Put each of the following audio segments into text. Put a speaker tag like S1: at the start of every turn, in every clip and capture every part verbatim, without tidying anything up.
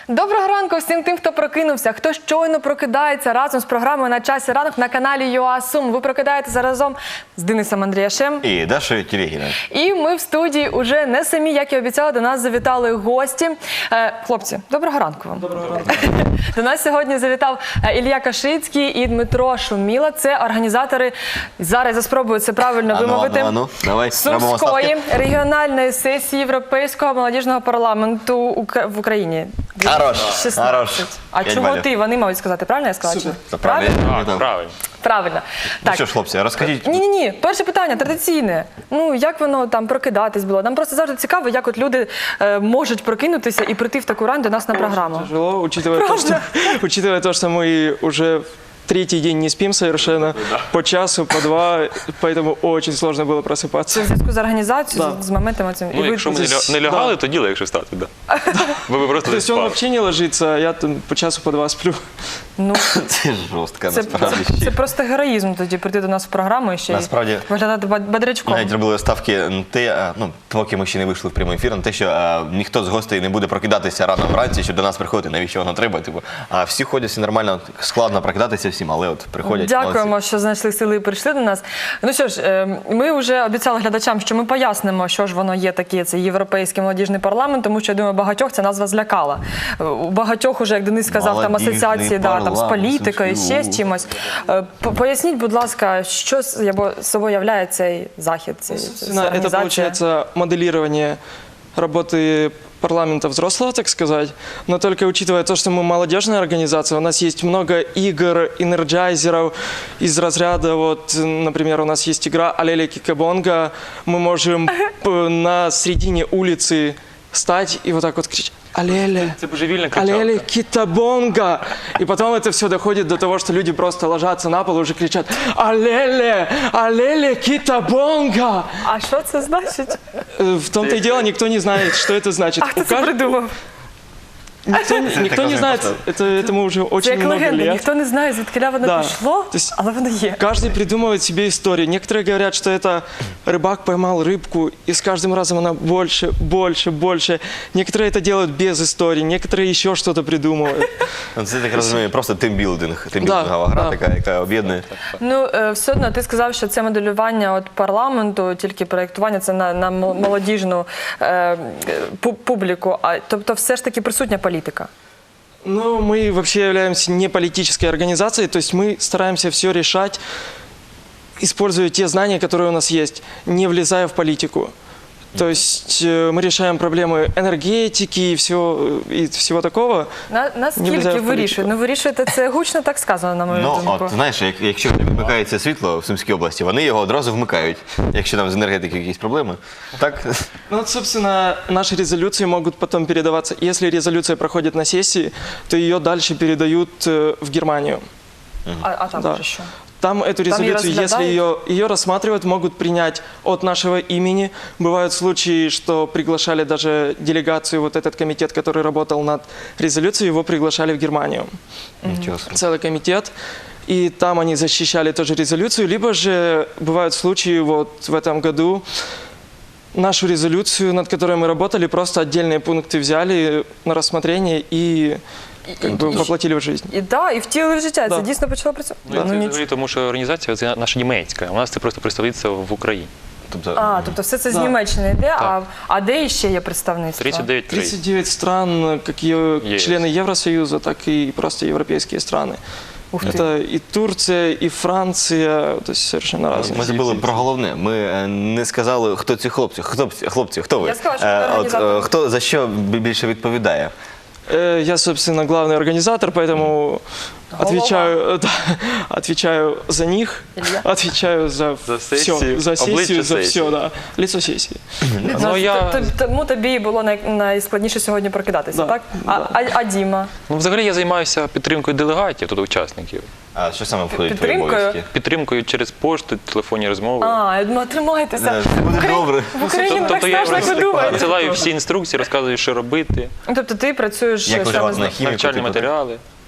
S1: Доброго ранку всім тим, хто прокинувся, хто щойно прокидається разом з програмою «На часі ранок» на каналі ЮА Сум. Ви прокидаєтеся разом з Денисом Андріашем
S2: і Дашою Телегіною.
S1: І ми в студії уже не самі, як і обіцяли, до нас завітали гості. Е, хлопці, доброго ранку вам.
S3: Доброго ранку.
S1: До нас сьогодні завітав Ілля Кашицький і Дмитро Шуміла. Це організатори, зараз я спробую це правильно
S2: Ану,
S1: вимовити,
S2: ану, ану. Давай, робимо
S1: Сумської
S2: ставки.
S1: регіональної сесії Європейського молодіжного парламенту Ука- в Україні.
S2: Хорош,
S1: шістнадцять.
S2: хорош.
S1: А
S2: П'ять
S1: чого
S2: балів.
S1: ти? Вони мають сказати. Правильно я сказала?
S3: Супер.
S1: Чи?
S2: Правильно.
S1: Правильно?
S2: Так,
S4: Правильно.
S1: Правильно.
S2: Ну
S1: Так.
S2: що ж, хлопці, розкажіть.
S1: Ні-ні-ні, перше питання, традиційне. Ну, як воно там прокидатись було? Нам просто завжди цікаво, як от люди е, можуть прокинутися і прийти в таку рань до нас на програму.
S3: Тяжело, учитывая то, что, учитывая то, что мы уже третий день не спим совершенно, по часу, по два, поэтому очень сложно было просыпаться.
S1: Це в зв'язку з організацією,
S3: Да.
S1: з моментами цим.
S4: Ну, якщо ми не, ля- не лягали, то діло, якщо стати, да. Ви б просто
S3: То
S4: не
S3: есть он
S4: спали.
S3: вообще не ложится, а я там по часу, по два сплю.
S1: Ну,
S2: Це жорстко,
S1: це,
S2: насправді.
S1: це, це просто героїзм тоді прийти до нас в програму і ще й
S2: Насправді,
S1: виглядати бад- бодрячком.
S2: Навіть робили ставки на те, а, ну, поки ми ще не вийшли в прямий ефір, на те, що а, ніхто з гостей не буде прокидатися рано вранці, щоб до нас приходити, навіщо воно треба. Типу. А всі ходять, всі нормально, складно прокидатися всім, але от приходять.
S1: Дякуємо,
S2: молодці.
S1: що знайшли сили і прийшли до нас. Ну що ж, е, ми вже обіцяли глядачам, що ми пояснимо, що ж воно є таке, це Європейський молодіжний парламент, тому що, я думаю, багатьох ця назва злякала. У багатьох уже, як Денис сказав, там
S2: Молодіжний
S1: асоціації да, там, з
S2: парламент,
S1: політикою, ще з чимось. Е, по- Поясніть, будь ласка, що з- або собою являє цей захід, цей, ця
S3: Собственно, это
S1: організація?
S3: получается моделирование работы парламента взрослого, так сказать, но только учитывая то, что мы молодежная организация, у нас есть много игр, энерджайзеров из разряда, вот, например, у нас есть игра Алеле Кикабонга, мы можем п- на середине улицы стать и вот так вот кричать «Алеле».
S4: Це божевільна
S3: Алеле
S4: кричалка.
S3: Китабонга. И потом это все доходит до того, что люди просто ложатся на пол и уже кричат Алеле, Алеле Китабонга.
S1: А що це значить?
S3: Э, В том-то и дело, никто не знает, что это значит.
S1: А хто
S3: У
S1: це
S3: кажд-
S1: придумав?
S3: Никто, никто не
S2: такое
S3: знает,
S2: просто.
S3: это, этому уже
S1: Це
S3: очень
S1: як
S3: много
S1: легенда,
S3: лет.
S1: ніхто не знає, звідки воно
S3: Да.
S1: пішло,
S3: То есть-
S1: але воно є.
S3: Каждый придумывает себе историю. Некоторые говорят, что это рыбак поймал рыбку, и с каждым разом она больше, больше, больше. Некоторые это делают без истории, некоторые еще что-то придумывают.
S2: Ну, це, так розумію, просто тимбілдинг, тимбілдингова
S3: Да,
S2: гра,
S3: да.
S2: така, яка об'єднує.
S1: Ну, е, все одно, ти сказав, що це моделювання от парламенту, тільки проєктування, це на, на мо- молодіжну е, пу- публіку, а, тобто все ж таки присутня політика.
S3: Ну, мы вообще являемся не политической организацией, то есть мы стараемся все решать, используя те знания, которые у нас есть, не влезая в политику. То есть э, мы решаем проблемы энергетики и всего, и всего такого.
S1: На,
S3: Не
S1: наскільки
S3: влізає в
S1: вирішує?
S3: політику.
S1: Ну, вирішуєте, це гучно так сказано, на мою
S2: Ну,
S1: думку.
S2: от, знаєш, як, якщо вмикається світло в Сумській області, вони його одразу вмикають. Якщо там з енергетики якісь проблеми, так?
S3: Ну вот, собственно, наши резолюции могут потом передаваться. Если резолюция проходит на сессии, то ее дальше передают э, в Германию.
S1: А, а там
S3: Да.
S1: вже що?
S3: Там эту
S1: Там её
S3: резолюцию, если
S1: разглядают?
S3: ее, ее рассматривают, могут принять от нашего имени. Бывают случаи, что приглашали даже делегацию, вот этот комитет, который работал над резолюцией, его приглашали в Германию.
S2: Нічого собі.
S3: Целый комитет. И там они защищали тоже резолюцию. Либо же бывают случаи, вот в этом году нашу резолюцию, над которой мы работали, просто отдельные пункты взяли на рассмотрение и как бы воплотили в жизнь.
S1: І да, і втілили в життя,
S3: Да.
S1: це дійсно почало працювати.
S4: Ну, це
S1: Ну, ніч-
S4: взагалі, тому що організація це наша німецька, у нас це просто представництво в Україні.
S2: Тобто,
S1: А, тобто все це з
S3: Да.
S1: Німеччини йде, а, а де іще є представництво?
S4: тридцять дев'ять країн.
S3: тридцать девять стран, как е-
S4: Есть.
S3: члены Евросоюза, так и просто европейские страны.
S1: Ух ты.
S3: Это и Турция, и Франция, то есть совершенно разные.
S2: Ми забули про головне. Ми е, не сказали, хто ці хлопці. Хлопці, хлопці, хто ви?
S1: Я сказала, що ви
S2: Е, от,
S1: організатори.
S2: е, хто за що бі- більше відповідає?
S3: Э, Я, собственно, главный организатор, поэтому отвечаю, да, отвечаю за них,
S1: Илья?
S3: отвечаю за,
S4: За
S3: все,
S4: сессию,
S3: за
S4: обличчя
S3: сессию, за
S4: сессії.
S3: все, да, лицо сессии.
S4: Ну, я...
S1: Т- т- Тому тобі було най- найскладніше сьогодні прокидатися,
S3: Да,
S1: так? А,
S3: да.
S1: а, а Діма?
S4: ну, взагалі я займаюся підтримкою делегатів, тут учасників.
S2: А що саме входить в твої
S1: Підтримкою?
S2: обов'язки?
S4: Підтримкою через пошту, телефонні розмови.
S1: А, я думаю, тримайтеся.
S2: Е, Все буде добре.
S1: В Україні не так
S4: Тобто я
S1: страшно, як ви думаєте.
S4: надсилаю всі інструкції, розказую, що робити,
S1: Тобто ти працюєш
S2: Як
S1: саме
S2: виживати
S1: з-
S2: на хіміку?
S4: навчальні
S2: типу, так?
S4: матеріали.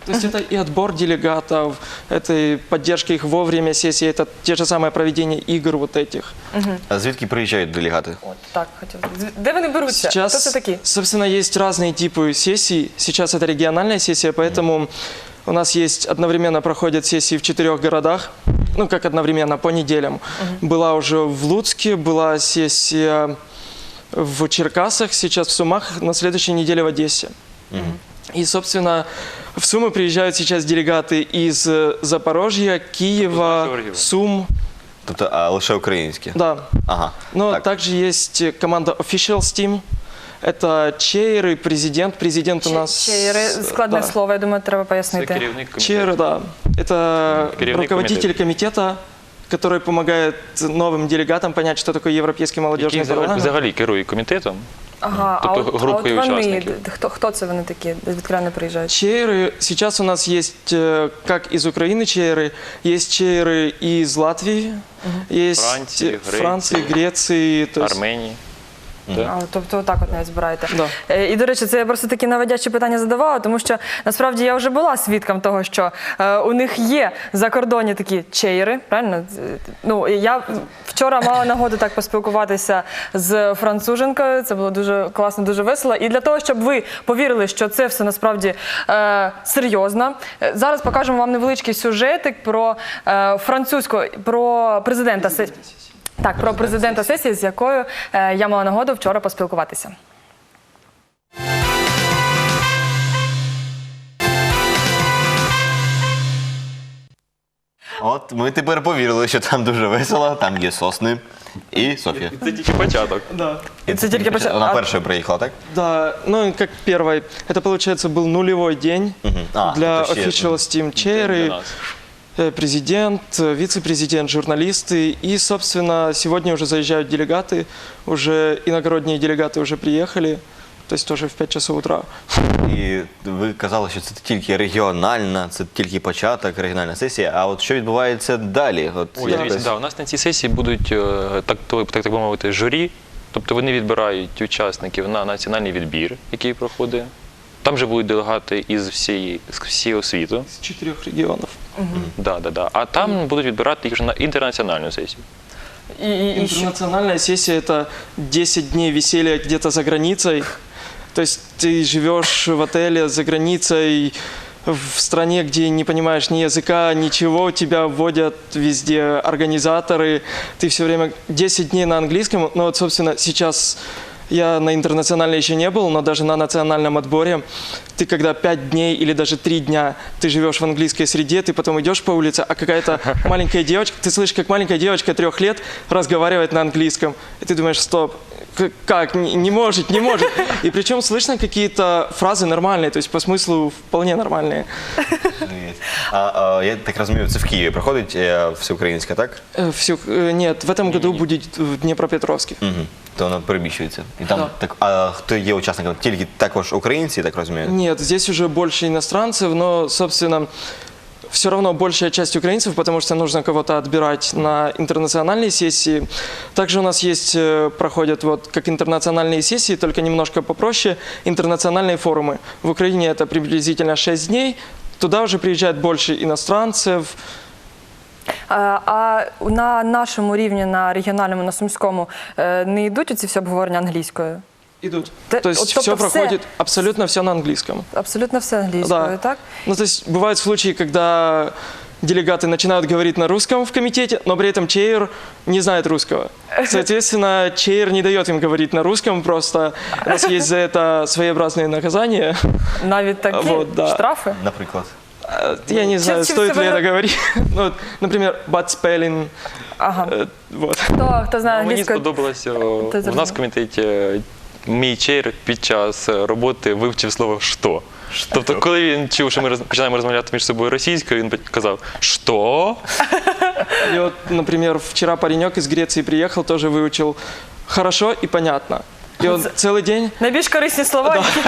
S3: То есть это и отбор делегатов, это и поддержка их во время сессии, это те же самое проведение игр вот этих.
S2: А звідки приїжджають делегати?
S1: От так хотів. З- Де вони беруться? Хто це
S3: Сейчас,
S1: такі?
S3: собственно, есть разные типы сессий. Сейчас это региональная сессия, поэтому у нас есть одновременно проходят сессии в четырех городах, ну как одновременно, по неделям. Была уже в Луцке, была сессия в Черкасах, сейчас в Сумах, на следующей неделе в Одессе. И, собственно, в Сумы приезжают сейчас делегаты из э, Запорожья, Киева,
S4: нашего региона.
S3: Сум.
S2: Тобто а, лише українські?
S3: Да.
S2: Ага.
S3: Но
S2: так.
S3: также есть команда Officials Team. Это чейры, президент. Президент у нас...
S1: Чейри,
S3: э,
S1: складне
S3: да.
S1: слово, я думаю, треба
S4: Це
S1: пояснити.
S4: керівник комітету.
S3: Чейры, да. Это
S4: Керівник
S3: руководитель комитета, который помогает новым делегатам понять, что такое Европейский молодежный
S4: Який взагалі,
S3: парламент.
S4: взагалі керує комітетом.
S1: Ага, а
S4: Тобто
S1: от, а от
S4: групою
S1: вони,
S4: учасників.
S1: д- хто, хто це вони такі, звідки вони приїжджають?
S3: Чейры, сейчас у нас есть э, как из Украины чейры, есть чейры из Латвии, есть
S4: Франции,
S3: э,
S4: Греции,
S3: Франции, Греции. То есть-
S4: Арменії.
S1: А, тобто отак от навіть збираєте.
S3: Да.
S1: Е, І, до речі, це я просто такі наводячі питання задавала, тому що насправді я вже була свідком того, що е, у них є закордонні такі чейри, правильно? З- Ну, і я вчора мала нагоду так поспілкуватися з француженкою, це було дуже класно, дуже весело. І для того, щоб ви повірили, що це все насправді е, серйозно, е, зараз покажемо вам невеличкий сюжетик про е, французьку, про президента се- Так, про президента сесії, з якою е, я мала нагоду вчора поспілкуватися.
S2: От ми тепер повірили, що там дуже весело, там є сосни і Софія.
S4: Це тільки початок.
S3: Да.
S2: І
S1: Це тільки початок.
S2: Вона
S1: А-
S2: першою приїхала, так?
S3: Да, ну и как первый. Это, получается, был нулевой день
S2: А,
S3: для
S2: это все,
S3: Officials Team
S4: Для
S3: чейры.
S4: нас.
S3: Э, Президент, э, вице-президент, журналисты. И, собственно, сегодня уже заезжают делегаты. Уже иногородние делегаты уже приехали. То есть тоже в пять часов утра.
S2: І ви казали, що це тільки регіональна, це тільки початок, регіональна сесія. А от що відбувається далі? От
S4: Ой,
S2: якось-
S4: дивіться, да, у нас на цій сесії будуть е, так, то- так, так би мовити, журі. Тобто вони відбирають учасників на національний відбір, який проходить. Там же будуть делегати із всієї, з всього світу.
S3: Из четырех регионов.
S4: Да, да, да. А там будуть відбирати їх вже на інтернаціональну сесію.
S1: І, і, і що?
S3: Интернациональная сессия – это десять дней веселья где-то за границей. То есть ты живешь в отеле за границей, в стране, где не понимаешь ни языка, ничего, тебя вводят везде организаторы. Ты все время десять дней на английском. Ну вот, собственно, сейчас я на интернациональной еще не был, но даже на национальном отборе ты когда пять дней или даже три дня ты живешь в английской среде, ты потом идешь по улице, а какая-то маленькая девочка, ты слышишь, как маленькая девочка трех лет разговаривает на английском. И ты думаешь, стоп, к- как, не, не может, не может. И причем слышно какие-то фразы нормальные, то есть по смыслу вполне нормальные.
S2: А, а, я так розумію, це в Києві проходить е, всеукраїнська, так?
S3: Э, всё, э, нет, в этом году будет в Днепропетровске.
S2: Угу. То воно переміщується. І там
S3: Да.
S2: так, а хто є учасником? Тільки також українці, так розумію?
S3: Нет, здесь уже больше иностранцев, но, собственно, все равно большая часть украинцев, потому что нужно кого-то отбирать на интернациональные сессии. Также у нас есть, э, проходят вот как интернациональные сессии, только немножко попроще, интернациональные форумы. В Украине это приблизительно шесть дней, туда уже приезжает больше иностранцев.
S1: А, а на нашому рівні, на регіональному, на сумському, е, не йдуть оці всі обговорення англійською?
S3: Идут.
S1: Т-
S3: То есть
S1: вот, тобто
S3: все
S1: все-
S3: проходит, абсолютно все на английском.
S1: Абсолютно все англійською,
S3: Да.
S1: так?
S3: Ну, то есть бывают случаи, когда делегаты начинают говорить на русском в комитете, но при этом чейр не знает русского. Соответственно, чейр не дает им говорить на русском, просто у нас есть за это своеобразные наказания.
S1: Навіть такі
S3: Вот, да.
S1: штрафи?
S2: Наприклад.
S3: Э, Я не знаю,
S1: чем
S3: стоит ли
S1: себя-
S3: это говорить. Ну, вот, например, bad spelling.
S1: Ага.
S3: э, Вот.
S1: Хто, хто знає
S4: Мені
S1: англійською?
S4: сподобалося,
S1: Ти
S4: у нас
S1: зрозумів.
S4: в комітеті мій чейр під час роботи вивчив слово «що». Тобто, коли він чув, що ми роз- починаємо розмовляти між собою російською, він казав «що?».
S3: И вот, например, вчера паренек из Греции приехал, тоже выучил хорошо и понятно. И он целый день,
S1: Найбільш корисні слова, які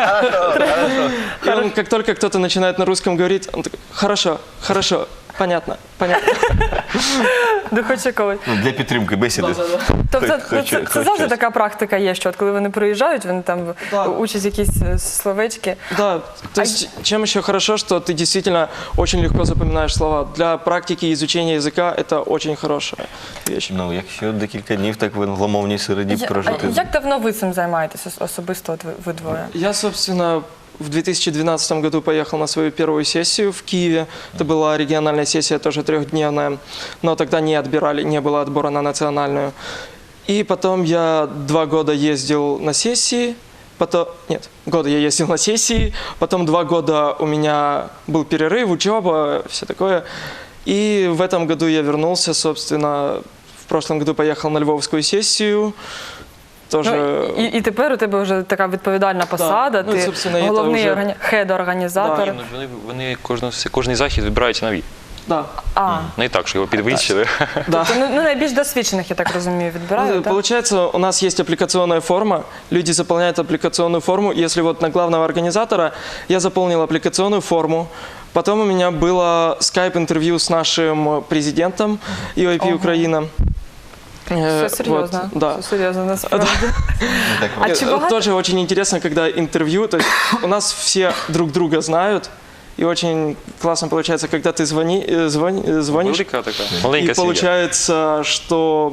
S3: и он, как только кто-то начинает на русском говорить, он такой, хорошо, хорошо, понятно, понятно.
S1: Ну, хоч якогось.
S2: Ну, для підтримки бесіди.
S1: Тобто
S2: Хоч-
S1: ну,
S2: хоч-
S1: це, це
S2: хоч
S1: завжди
S2: щось.
S1: така практика є, що от коли вони приїжджають, вони там
S3: Да.
S1: учать якісь е, словечки.
S3: Да, то есть чем еще хорошо, что ты действительно очень легко запоминаешь слова. Для практики изучения языка это очень хорошая вещь.
S2: Ну, якщо декілька днів так в англомовній середі
S1: Я-
S2: прожити.
S1: а як давно ви цим займаєтесь ос- особисто, от ви, ви двоє?
S3: Я, собственно, в две тысячи двенадцатом году поехал на свою первую сессию в Киеве. Это была региональная сессия, тоже трехдневная, но тогда не отбирали, не было отбора на национальную. И потом я два года ездил на сессии, потом, нет, года я ездил на сессии, потом два года у меня был перерыв, учеба, все такое. И в этом году я вернулся, собственно, в прошлом году поехал на львовскую сессию. Тоже...
S1: Ну, і, і тепер у тебе вже така відповідальна посада,
S3: Ну, і,
S1: ти
S3: собственно, це
S1: головний
S3: вже-
S1: органі... хед-організатор.
S3: Да.
S4: Ну, Вони, вони кожну, кожний захід вибираються нові.
S3: Да,
S1: А,
S4: Не так, що його підвищили.
S3: да.
S1: то, ну, ну, найбільш досвідчених, я так розумію, відбирають,
S3: Ну,
S1: так?
S3: Получается, у нас есть аппликационная форма, люди заполняют аппликационную форму. Если вот на главного организатора я заполнил аппликационную форму, потом у меня было скайп-интервью с нашим президентом и о пи
S1: Ого.
S3: Украина. Э,
S1: Все серйозно.
S3: вот, да.
S1: Все серйозно, насправді.
S2: Ну, так,
S1: А
S3: Э,
S1: чи багато?
S3: Тоже очень интересно, когда интервью, то есть у нас все друг друга знают, и очень классно получается, когда ты звони, э, звони- э, звонишь,
S4: Велика така, маленька
S3: и
S4: сім'я.
S3: получается, что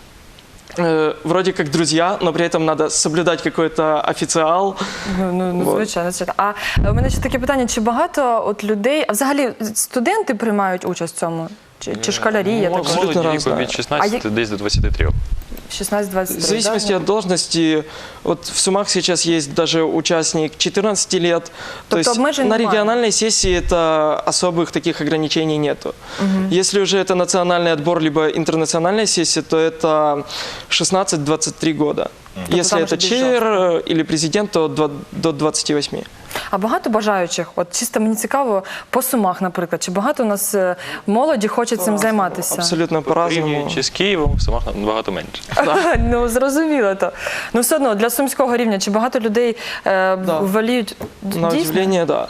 S3: э, вроде как друзья, но при этом надо соблюдать какой-то официал.
S1: Ну, ну, ну
S3: Вот.
S1: звичайно, звичайно. А е, у мене ще таке питання, чи багато от людей, а взагалі студенти приймають участь в цьому? Чи, чи школярі, я так
S3: Молодь.
S1: розумію?
S3: Абсолютно
S4: Молоді
S3: разна.
S4: віку від шістнадцяти десь до двадцяти трьох.
S1: шістнадцять-двадцять три,
S3: В зависимости
S1: да?
S3: от должности, вот в Сумах сейчас есть даже участник четырнадцати лет. То
S1: Тобто
S3: есть
S1: обмежень
S3: на
S1: немає?
S3: региональной сессии это особых таких ограничений нету. Если уже это национальный отбор, либо интернациональная сессия, то это шестнадцать-двадцать три года. Если
S1: там
S3: это
S1: уже
S3: чейр э, или президент, то два- до двадцати восьми.
S1: А багато бажаючих? От чисто мені цікаво, по Сумах, наприклад, чи багато у нас е, молоді хоче цим займатися?
S3: Абсолютно по-разному.
S4: Порівнюючи з Києвом, в Сумах набагато менше.
S1: Ну, зрозуміло то. Ну, все одно, для сумського рівня, чи багато людей е,
S3: Да.
S1: воліють
S3: На
S1: дійсно?
S3: удивление, да.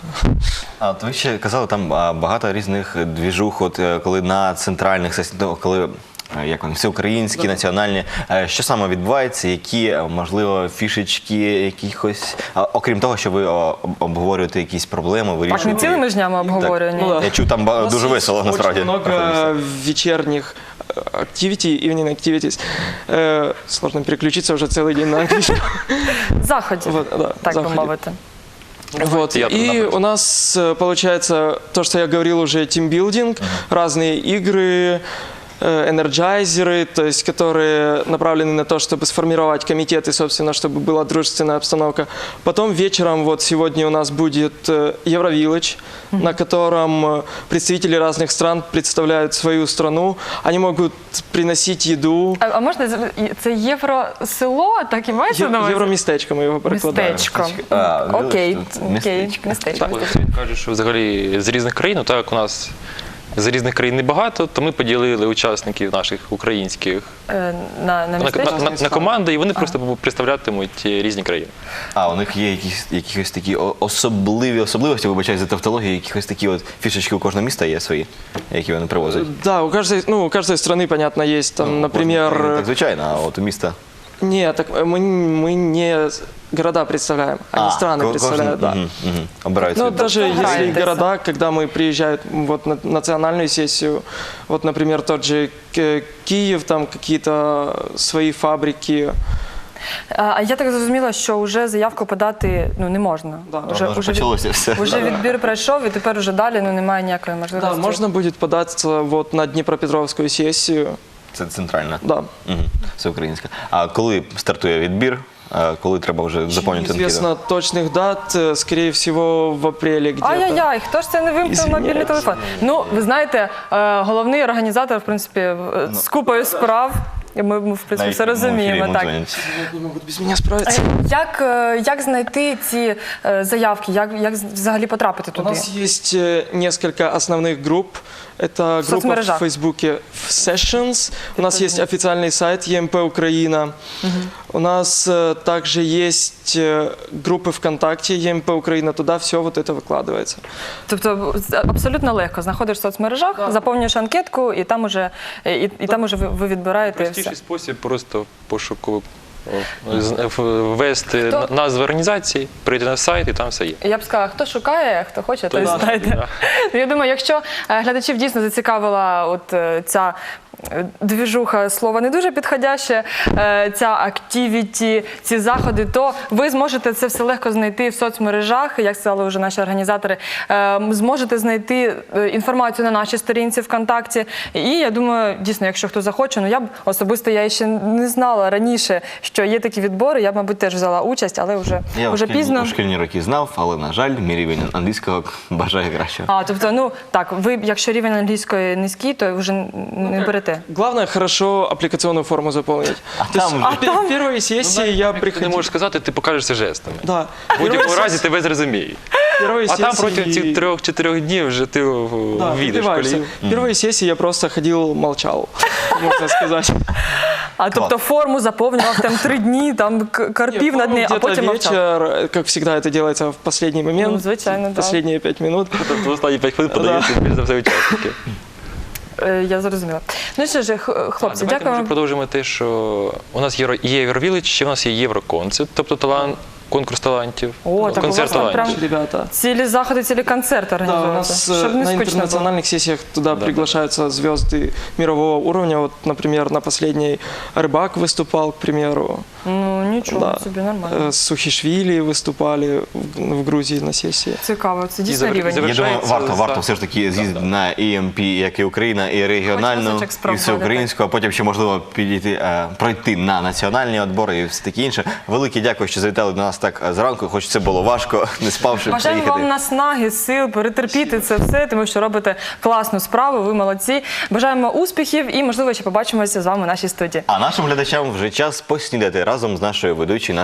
S2: А от ви ще казали, там а, багато різних двіжух, от е, коли на центральних сесіях, ну, коли е, як вони, всеукраїнські, національні, е, що саме відбувається, які, е, можливо, фішечки якихось, а, окрім того, що ви о, об- обговорюєте якісь проблеми,
S1: Так, не
S2: вирішуєте.
S1: цілими ж днями обговорювання.
S3: Ну, да.
S2: Я чув, там ба-
S3: У нас
S2: дуже
S3: есть
S2: весело, насправді.
S3: Очень много
S2: проходиться.
S3: вечерних э, activity, evening activities. Э, Сложно переключиться уже целый день на английский.
S1: Заходів,
S3: Вот, да,
S1: так би
S3: заходів.
S1: мовити.
S3: Вот.
S4: театр,
S3: И
S4: напротив.
S3: у нас э, получается то, что я говорил уже, тимбилдинг, разные игры, э, энерджайзеры, то есть которые направлены на то, чтобы сформировать комитеты, собственно, чтобы была дружественная обстановка. Потом вечером, вот сегодня у нас будет э, Евровилледж, на котором э, представители разных стран представляют свою страну. Они могут приносить еду.
S1: А, а можна, з- і- це євросело, так і мається на
S3: Е-
S1: увазі?
S3: Евромістечко мы его прикладаем.
S1: Містечко.
S2: А,
S1: Окей,
S2: вибачте,
S1: окей,
S2: містечко.
S1: містечко.
S4: Так, він каже, що взагалі з різних країн, ну, так як у нас з різних країн небагато, то ми поділили учасників наших українських
S1: Е, На, на
S4: на,
S1: містечко?
S4: на, на, на команди, і вони просто представлятимуть різні країни.
S2: А у них є якісь якісь такі о- особливі особливості, вибачаю за тавтологію, якісь такі от фішечки у кожного міста є свої, які вони привозять.
S3: Да, у каждой, ну, у каждой страны, понятно, есть там, например...
S2: Кожна, так звичайно, а от у міста.
S3: Нет, так мы, мы не города представляем, они страны
S2: ко-
S3: представляют, да.
S2: Мгм, мгм. Обирають
S3: Ну,
S2: собі.
S3: даже если
S1: Граетесь.
S3: города, когда мы приезжают вот на национальную сессию, вот, например, тот же Ки- Киев, там какие-то свои фабрики.
S1: А а я так зрозуміла, що вже заявку подати ну, не можна.
S3: Да.
S1: Вже,
S2: Воно ж
S1: вже, від-
S2: почалося все.
S1: вже відбір пройшов, і тепер вже далі ну, немає ніякої
S3: Да,
S1: можливості.
S3: можно будет податься вот на Днепропетровскую сессию.
S2: Це центральна.
S3: Да.
S2: Угу. Це українська. А коли стартує відбір? А коли треба вже заповнювати анкету?
S3: Неизвестно точных дат, э, скорее всего, в апреле где-то.
S1: Ай-яй-яй, хто ж це не вимкнув
S3: Извиняюсь.
S1: мобільний телефон? Ну, ви знаєте, е, головний організатор, в принципі, в- з купою справ. І Ми, ми в принципі,
S2: Навіть
S1: все
S2: в прямому ефірі
S1: розуміємо.
S2: йому
S1: Так.
S2: дзвонять.
S3: Не могут без меня справиться.
S1: Як, е, як знайти ці е, заявки? Як, як взагалі потрапити
S3: У
S1: туди?
S3: нас есть э, несколько основных групп. Это группа
S1: соцмережах.
S3: в Фейсбуке Sessions. У нас есть официальный сайт ЕМП Украина. У нас э, также есть э, группы ВКонтакте, ЕМП Украина, туда все вот это выкладывается.
S1: Тобто абсолютно легко знаходиш в соцмережах, заповнюєш анкетку, і там уже, і, і там уже ви, ви відбираєте
S4: Простіший
S1: все.
S4: спосіб просто пошуково о, з- в- ввести
S1: Хто?
S4: на- назву організації, прийти на сайт і там все є.
S1: Я б сказала, хто шукає, хто хоче, той
S4: Да,
S1: знайде.
S4: да.
S1: Ну, я думаю, якщо е, глядачів дійсно зацікавила от е, ця е, двіжуха, слово не дуже підходяще, е, ця активіті, ці заходи, то ви зможете це все легко знайти в соцмережах, як сказали вже наші організатори, е, зможете знайти е, інформацію на нашій сторінці ВКонтакті. І я думаю, дійсно, якщо хто захоче, ну я б особисто я ще не знала раніше, що є такі відбори, я б, мабуть, теж взяла участь, але вже,
S2: Я
S1: вже
S2: у шкільні,
S1: пізно.
S2: у шкільні роки знав, але, на жаль, мій рівень англійського бажає кращого.
S1: А, тобто, ну так, ви, якщо рівень англійської низький, то вже не берете.
S3: Главное хорошо аппликационную форму заполнить.
S2: А
S3: То есть
S2: там
S3: в пе- первой сессии я
S4: Ти не
S3: приходил.
S4: можеш сказати, ти покажеш це жестами.
S3: Да.
S4: В будь-якому
S3: Первой
S4: разі
S3: сессии-
S4: тебе зрозуміють.
S3: первой
S4: А там
S3: сессии-
S4: протягом цих трьох-чотирьох днів вже ти в-
S3: Да,
S4: війдеш в
S3: вбиваешься.
S4: колію.
S3: В первой сессии я просто ходил, молчал, можно сказать.
S1: А тобто форму заповнював там три дні, там к- карпів на дні, а
S3: Где-то
S1: потім мовчав.
S3: вечер, как всегда это делается в последний момент.
S1: Ну, звичайно, да.
S3: Последние пять минут.
S4: Тобто останні п'ять хвилин подаються більш за все учасники.
S1: Е, Я зрозуміла. Ну що ж, х- хлопці,
S4: Давайте
S1: дякую
S4: може
S1: вам.
S4: продовжимо те, що у нас є є Євровілич, ще у нас є Євроконцерт, тобто талант, конкурс талантів,
S1: О, так у вас
S4: концерт
S1: там
S4: талантів.
S1: прям
S3: Ребята.
S1: цілі заходи, цілі концерти
S3: Да, у
S1: організуються.
S3: нас э,
S1: Щоб не
S3: на
S1: скучно було.
S3: интернациональных сессиях туда приглашаются звезды мирового уровня. Вот, например, на последней Рыбак выступал, к примеру.
S1: Ну нічого
S3: Да.
S1: собі, нормально.
S3: Э, Сухишвили выступали в, в Грузии на сессии.
S1: Цікаво, це дійсно
S4: завер-
S1: рівень.
S4: завер-
S2: Я думаю,
S4: Завершається
S2: варто, варто
S4: за-
S2: все ж таки з'їздити на і ем пі, як і Україна, і регіональну,
S1: разочок
S2: і
S1: спробувати.
S2: всеукраїнську, а потім ще можливо підійти, е, пройти на національні відбори і все таке інше. Велике дякую, що завітали до нас так е, зранку, хоч це було важко, не спавши
S1: Бажаємо
S2: приїхати.
S1: вам наснаги, сил, перетерпіти це все, тому що робите класну справу, ви молодці. Бажаємо успіхів і, можливо, ще побачимося з вами в нашій студії.
S2: А нашим глядачам вже час поснідати разом з нашою ведучою